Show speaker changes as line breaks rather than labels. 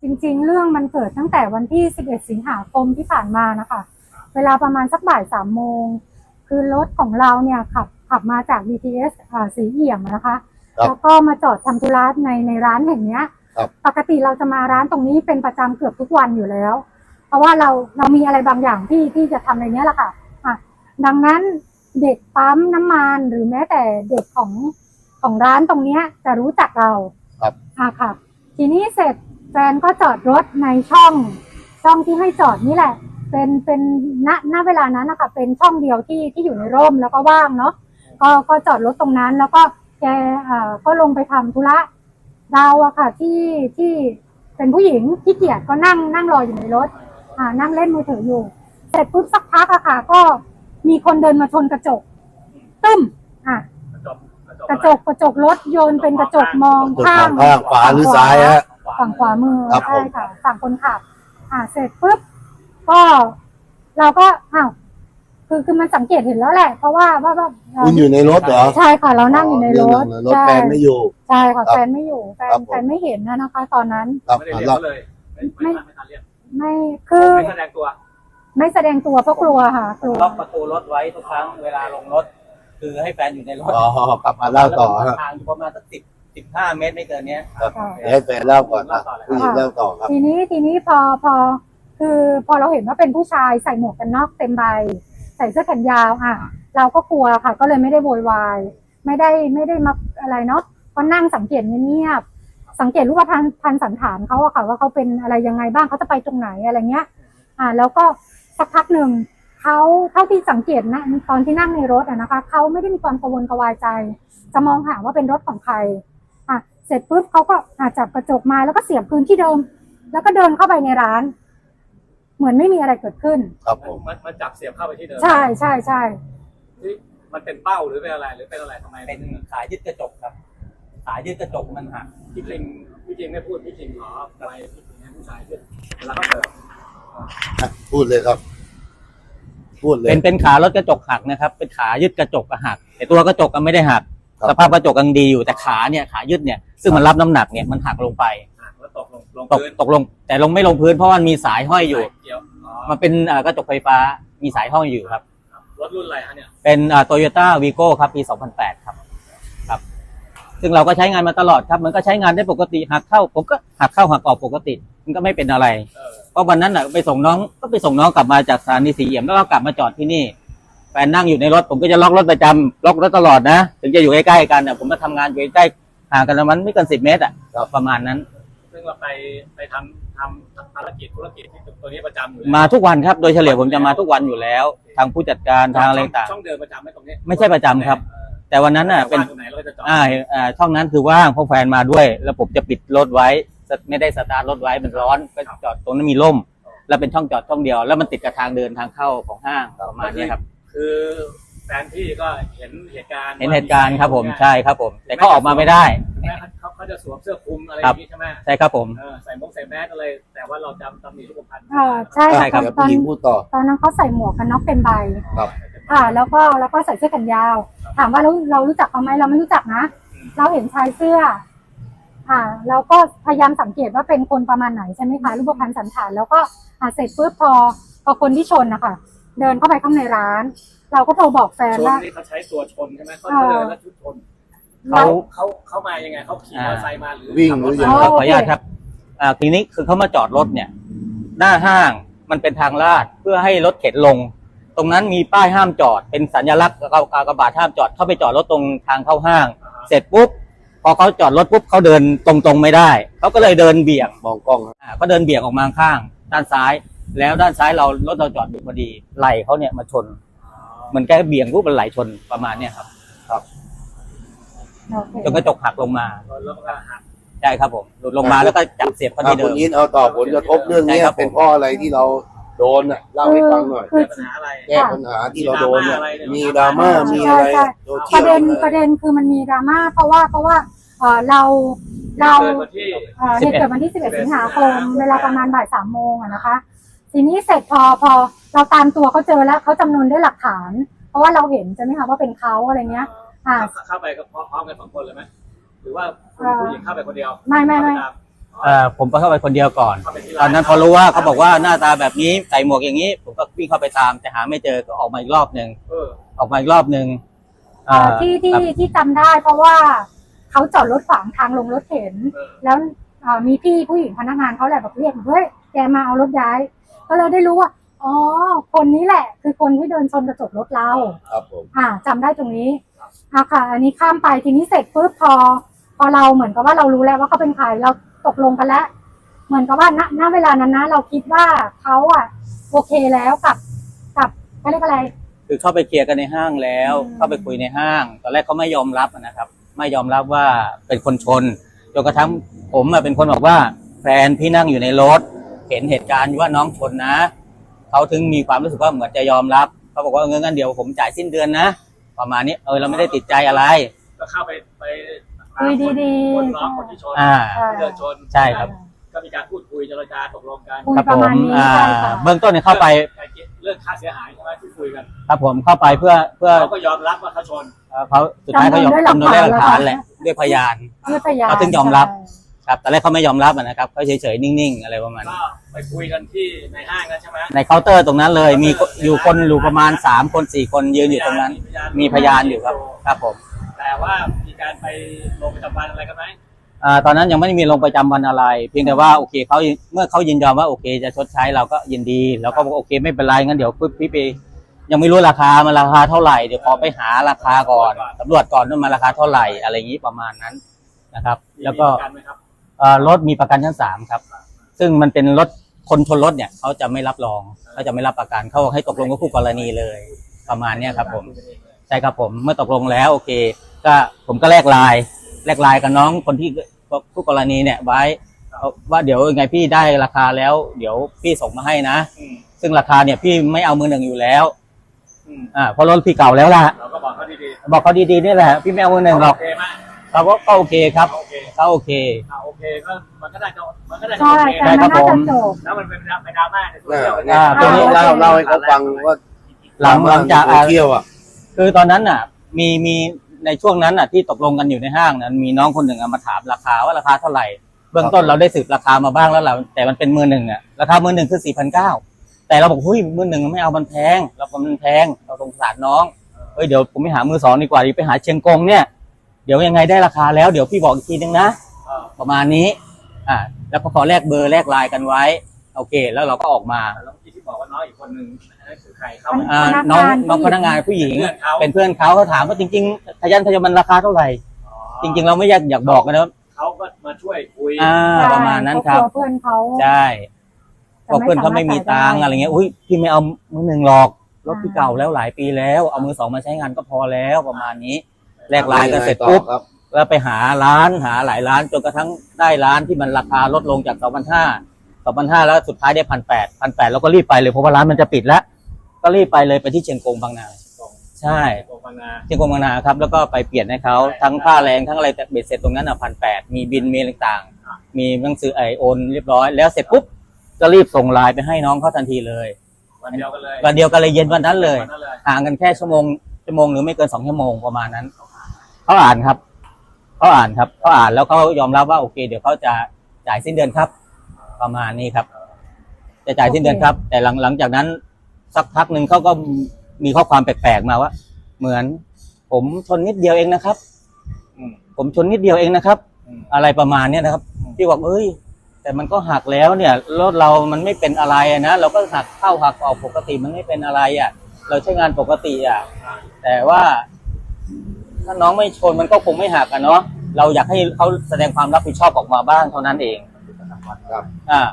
จริงๆเรื่องมันเกิดตั้งแต่วันที่11สิงหาคมที่ผ่านมานะคะเวลาประมาณสักบ่าย3 โมงคือรถของเราเนี่ยขับมาจาก BTS สีเอี่ยมนะคะแล้วก็มาจอดทำธุระในร้านแห่งนี้ปกติเราจะมาร้านตรงนี้เป็นประจำเกือบทุกวันอยู่แล้วเพราะว่าเรามีอะไรบางอย่างที่จะทำในนี้แหละค่ะดังนั้นเด็กปั๊มน้ำมันหรือแม้แต่เด็กของร้านตรงนี้จะรู้จักเราค่ะทีนี้เสร็จแฟนก็จอดรถในช่องที่ให้จอดนี่แหละเป็นณเวลานั้นนะคะเป็นช่องเดียวที่อยู่ในร่มแล้วก็ว่างเนาะก็จอดรถตรงนั้นแล้วก็แกก็ลงไปทำธุระเราอะค่ะที่เป็นผู้หญิงที่เกียจก็นั่งรออยู่ในรถนั่งเล่นมือถืออยู่เสร็จปุ๊บสักพักอะค่ะก็มีคนเดินมาชนกระจกตึ้มกระจกรถโยนเป็นกระจกมองข้าง
ขวาหรือซ้ายฮะ
ฝั่งขวามือใช่ค่ะฝั่งคนขับเสร็จปุ๊บก็เราก็คือมันสังเกตเห็นแล้วแหละเพราะว่า
คุณอยู่ในรถเหรอ
ใช่ค่ะเรานั่งอยู่ในรถ
แฟนไม่อยู่
ใช่ค่ะแฟนไม่อยู่แฟนไม่เห็นนะคะตอนนั้น
ไม่ได้เรียกเลย
ไม่คือ
ไม่แสดงตัว
เพราะกลัวค่ะกลัว
ล็อกประตูรถไว้ทุกครั้งเวลาลงรถคือให้แฟนอยู่ในรถ
กลับมาเล่าต่อ
ทางอยู่ประมาณสัก15 เมตรไม่เกินนี้
ให้แฟนเล่าก่อนผู้หญิงเล่าต่อครับ
ทีนี้พอเราเห็นว่าเป็นผู้ชายใส่หมวกกันน็อกเต็มใบใส่เสื้อแขนยาวเราก็กลัวค่ะก็เลยไม่ได้โวยวายไม่ได้มาอะไรเนาะก็นั่งสังเกตเงียบสังเกตรูปพรรณสันฐานเขาอะค่ะว่าเขาเป็นอะไรยังไงบ้างเขาจะไปตรงไหนอะไรเงี้ยแล้วก็สักพักหนึ่งเขาเท่าที่สังเกตนะตอนที่นั่งในรถนะคะเขาไม่ได้มีความกังวลกระวายใจจะมองหาว่าเป็นรถของใครเสร็จปุ๊บเขาก็จับกระจกมาแล้วก็เสียบคืนที่เดิมแล้วก็เดินเข้าไปในร้านเหมือนไม่มีอะไรเกิดขึ้น
ครับผม
มันจับเสียบเข้าไปที่เดิม
ใช่
มันเป็นเป้าหรือเป็นอะไรทำไม
เป็นขายึดกระจกครับขายึดกระจกมันหัก
พี่จริงไม่พูดพี่จริงขออะไรพี่จริงให้ผู้ชายขึ้นแล้วก็เปิด
พูดเลยครับพูดเลย
เป็นขารถกระจกหักนะครับเป็นขายึดกระจกหักแต่ตัวกระจกก็ไม่ได้หักสภาพกระจกยังดีอยู่แต่ขายึดเนี่ยซึ่งมันรับน้ำหนักเนี่ยมันหักลงไป
แล้วตกลง
แต่ไม่ลงพื้นเพราะมันมีสายห้อยอยู่มันเป็นกระจกไฟฟ้ามีสายห้อยอยู่ครับ
รถรุ่นอะไรฮะเนี่ย
เป็นToyota Vigo ครับปี 2008ครับซึ่งเราก็ใช้งานมาตลอดครับมันก็ใช้งานได้ปกติหักเข้าผมก็หักเข้าหักออกปกติมันก็ไม่เป็นอะไรเพราะวันนั้นไปส่งน้องกลับมาจากสถานีสีเอี่ยมแล้วก็กลับมาจอดที่นี่แฟนนั่งอยู่ในรถผมก็จะล็อกรถประจำล็อกรถตลอดนะถึงจะอยู่ใกล้ๆกันผมมาทำงานอยู่ใกล้ห่างกันประมาณไม่เกิน10 เมตรประมาณนั้น
ซึ่งเราไปทำภารกิจธุรกิจที่ตัวนี้ประจำอยู่
มาทุกวันครับโดยเฉลี่ยผมจะมาทุกวันอยู่แล้วทางผู้จัดการทางอะไรต่าง
ช่องเดิมประจำไหมตรงนี้
ไม่ใช่ประจำครับแต่วันนั้นเป็นช่องนั้นคือว่างเพราะแฟนมาด้วยแล้วผมจะปิดรถไว้ไม่ได้สตาร์ทรถไว้มันร้อนก็จอดตรงนั้นมีร่มแล้วเป็นช่องจอดช่องเดียวแล้วมันติดกับทางเดินทางเข้าของห้างประมาณนี้ครับ
คือแฟนพี่ก็เห็นเหตุการ
ณ์ครับผมใช่ครับผมแต่ก็ออกมาไม่ได้
เขาจะสวมเสื้อคลุมอะไรอย่างนี้ใช่ไหม
ใช่ครับผม
ใส่แมสอะไรแต่ว่าเราจำตำหนิรูปพรรณ
ใช่
ครับ
ตอนนั้นเขาใส่หมวกกันน็อกเต็มใบแล้วก็ใส่เสื้อแขนยาวถามว่าเรารู้จักเขาไหมเราไม่รู้จักนะเราเห็นชายเสื้อเราก็พยายามสังเกตว่าเป็นคนประมาณไหนใช่ไหมคะรูปพรรณสันฐานแล้วก็เสร็จปุ๊บพอคนที่ชนนะคะเดินเข้าไปข้างในร้านเราก็โทรบอกแฟนว่า
เขาใช้ตัวชนใช่ไหมเขาเดินแล้วชุดชนเขามายังไงเขาขี่มอเตอร์ไซค์มาหรือ
วิ่งหรือยังไง
ขออนุญาตครับทีนี้คือเขามาจอดรถเนี่ยหน้าห้างมันเป็นทางลาดเพื่อให้รถเข็นลงตรงนั้นมีป้ายห้ามจอดเป็นสัญลักษณ์กากบาทห้ามจอดเข้าไปจอดรถตรงทางเข้าห้างเสร็จปุ๊บพอเขาจอดรถปุ๊บเขาเดินตรงไม่ได้เขาก็เลยเดินเบี่ยง
มองกล้อง
ก็เดินเบี่ยงออกมาข้างด้านซ้ายแล้วด้านซ้ายรถเราจอดอยู่พอดีไหล่เขาเนี่ยมาชนมันแค่เบี่ยงปุ๊บมันไหลชนประมาณเนี่ยครับจนกระจกหักลงมาใช่ครับผมหลุดลงมาแล้วก็จับเสียบเขาที่เดิม
คุณยินเอาต่อผลกระทบเรื่องนี้เป็นเพราะอะไรที่เราโดนเล่าให้ฟังหน่อยแก้ปัญหาที่เราโดนเนี่ยมีดราม่ามีอะไร
ประเด็นคือมันมีดราม่าเพราะว่าเราเหตุเกิดวันที่11สิงหาคมเวลาประมาณบ่าย3 โมงนะคะทีนี้เสร็จพอเราตามตัวเขาเจอแล้วเขาจำนวนได้หลักฐานเพราะว่าเราเห็นใช่ไหมคะว่าเป็นเขาอะไรเงี้ย
เข้าไปก็พร้อมกัน2 คนเลยไหมหรือว่าผู้หญิงเข้าไปคนเดียว
ไม่
ผมก็เข้าไปคนเดียวก่อน
เข้าไปที่
ตอนนั้นพอรู้ว่าเขาบอกว่าหน้าตาแบบนี้ใส่หมวกอย่างนี้ ผมก็วิ่งเข้าไปตามแต่หาไม่เจอก็ออกมาอีกรอบหนึ่ง ออกมาอีกรอบหนึ่ง
ที่จำได้เพราะว่าเขาจอดรถขวางทางลงรถเข็นแล้วมีพี่ผู้หญิงพนักงานเขาแหละแบบเรียกเฮ้ยแกมาเอารถย้ายก็เลยได้รู้ว่าอ๋อคนนี้แหละคือคนที่เดินชนกระจกรถเรา
ครับผม
จำได้ตรงนี้ค่ะ อันนี้ข้ามไปทีนี้เสร็จปุ๊บพอเราเหมือนกับว่าเรารู้แล้วว่าเขาเป็นใครเราตกลงกันแล้วเหมือนกับว่าณเวลานั้นนะเราคิดว่าเขาโอเคแล้วกับเขาเรียกอะไร
คือเข้าไปเคลียร์กันในห้างแล้ว เข้าไปคุยในห้างตอนแรกเขาไม่ยอมรับนะครับ ไม่ยอมรับว่าเป็นคนชนจนกระทั่งผมเป็นคนบอกว่าแฟนพี่นั่งอยู่ในรถเห็นเหตุการณ์ว่าน้องชนนะเขาถึงมีความรู้สึกว่าเหมือนจะยอมรับเขาบอกว่างั้นเดี๋ยวผมจ่ายสิ้นเดือนนะประมาณนี้เราไม่ได้ติดใจอะไร
ก็เข้าไป
คุยดีๆ
คนร้องคนที่ชนเดินชน
ใช่ครับ
ก็มีการพูดคุยเจรจาตกลงกัน
คุย
ครับ
ประ
ผม
มาณนี้ใช่ค่ะ
เบื้องต้นเนี่ยเข้าไป
เรื่องค่าเสียหายใช่ไหมที่คุยกัน
ครับผมเข้าไปเพื่อ
เขาก็ยอมรับว่าเขาชน
เขาสุดท้ายเขายอมทำโดยหลักฐานแหละด้วยพยาน
ด้วยพยาน
เขาถึงยอมรับ ครับแต่แรกเขาไม่ยอมรับนะครับเขาเฉยๆนิ่งๆอะไรประมาณ
ก็
นี้
ไปคุยกันที่ในห้างกันใช่ไหม
ในเคาน์เตอร์ตรงนั้นเลยมีอยู่คนอยู่ประมาณ3 คน 4 คนยืนอยู่ตรงนั้น มีพยานอยู่ครับครับผม
แต่ว่ามีการไปลงประจำวันอะไรกันไหม
ตอนนั้นยังไม่ได้มีลงประจำวันอะไร เพียงแต่ว่าโอเคเขาเมื่อเขายินยอมว่าโอเคจะชดใช้เราก็ยินดีแล้วก็บอกโอเคไม่เป็นไรงั้นเดี๋ยวพี่ไปยังไม่รู้ราคามันราคาเท่าไหร่เดี๋ยวขอไปหาราคาก่อนตำรวจก่อนว่ามันราคาเท่าไหร่อะไรอย่างนี้ประมาณนั้นนะครับ แล้วก็
มีประนไหมครับ
รถมีประกันชั้น3ครับซึ่งมันเป็นรถคนชนรถเนี่ยเขาจะไม่รับรองเขาจะไม่รับประกันเขาให้ตกลงกับคู่กรณีเลยประมาณเนี้ยครับผมใช่ครับผมเมื่อตกลงแล้วโอเคก็ผมก็แลกไลน์กับน้องคนที่คู่กรณีเนี่ยไว้ว่าเดี๋ยวยังไงพี่ได้ราคาแล้วเดี๋ยวพี่ส่งมาให้นะซึ่งราคาเนี่ยพี่ไม่เอามือหนึ่งอยู่แล้วเพราะรถพี่เก่าแล้วล่ะ
เราก็บอกเขาดี
บอกเขาดีๆนี่แหละพี่ไม่เอามือหนึ่งหรอก
โอเคไหม
เขาก็โอเคครับ
โอเค
เขาโอเค
โอเคก็มันก็ได้มันก็ได้
ใช่
โอเค
แต่มันน่าจะจบ
แล้วมันเป็นดราม่าในโซเชียล
ตรงนี้
เล่าให้เขาฟังว่า
หลังจาก
เที่ยว
คือตอนนั้นน่ะมีในช่วงนั้นน่ะที่ตกลงกันอยู่ในห้างนั้นมีน้องคนหนึ่งมาถามราคาว่าราคาเท่าไหร่เบื้องต้นเราได้สืบราคามาบ้างแล้วแหละแต่มันเป็นมือหนึ่งราคามือหนึ่งคือ 4,900 แต่เราบอกเฮ้ยมือหนึ่งไม่เอามันแพงมันแพงเราสงสารน้องเดี๋ยวผมไปหามือ2ดีกว่าไปหาเชียงกงเนี่ยเดี๋ยวยังไงได้ราคาแล้วเดี๋ยวพี่บอกอีกทีนึงนะประมาณนี้แล้วก็ขอแลกเบอร์แลกไลน์กันไว้โอเคแล้วเราก็ออกมา
แล้วที่บอกว่าน้องอีกคนหนึ่งนั่นคือใครเขา
น้องพนักงานผู้หญิงเป็นเพื่อนเขาถามว่าจริงๆทะยันมันราคาเท่าไหร่จริงๆเราไม่อยากบอกนะ
เขาก็มาช่วยคุย
ประมาณนั้นครับ
เพื่อนเขา
ใช่บอกเพื่อนเขาไม่มีตังอะไรเงี้ยอุ้ยพี่ไม่เอามือหนึ่งหรอกรถพี่เก่าแล้วหลายปีแล้วเอามือ2มาใช้งานก็พอแล้วประมาณนี้แลกไลน์กันเสร็จปุ๊บแล้วไปหาร้านหาหลายร้านจนกระทั่งได้ร้านที่มันราคาลดลงจาก 2,500 แล้วสุดท้ายได้ 1,800 แล้วก็รีบไปเลยเพราะว่าร้านมันจะปิดแล้วก็รีบไปเลยไปที่เชียงกงบางนาใช่เชียงกงบางนาครับแล้วก็ไปเปลี่ยนให้เขาทั้งค่าแรงทั้งอะไรแต่เบ็ดเสร็จตรงนั้น1,800มีบินมีต่างๆมีหนังสือโอนเรียบร้อยแล้วเสร็จปุ๊บก็รีบส่งไลน์ไปให้น้องเขาทันทีเลย
วันเดียวกันเลย
วันเดียวกันเลยเย็นวันนั้นเลยห่างกันแค่ชั่วโมงหรือไม่เกิน2 ชั่วโมงประมาณนั้นเขาอ่านแล้วเขายอมรับว่าโอเคเดี๋ยวเขาจะจ่ายสิ้นเดือนครับประมาณนี้ครับจะจ่ายสิ้นเดือนครับแต่หลังจากนั้นสักพักหนึ่งเขาก็มีข้อความแปลกๆมาว่าเหมือนผมชนนิดเดียวเองนะครับผมชนนิดเดียวเองนะครับอะไรประมาณนี้นะครับที่บอกแต่มันก็หักแล้วเนี่ยรถเรามันไม่เป็นอะไรนะเราก็หักเข้าหักออกปกติมันไม่เป็นอะไรเราใช้งานปกติแต่ว่าถ้าน้องไม่ชนมันก็คงไม่หักเนาะเราอยากให้เขาแสดงความรับผิดชอบออกมาบ้างเท่านั้นเอง
ครับ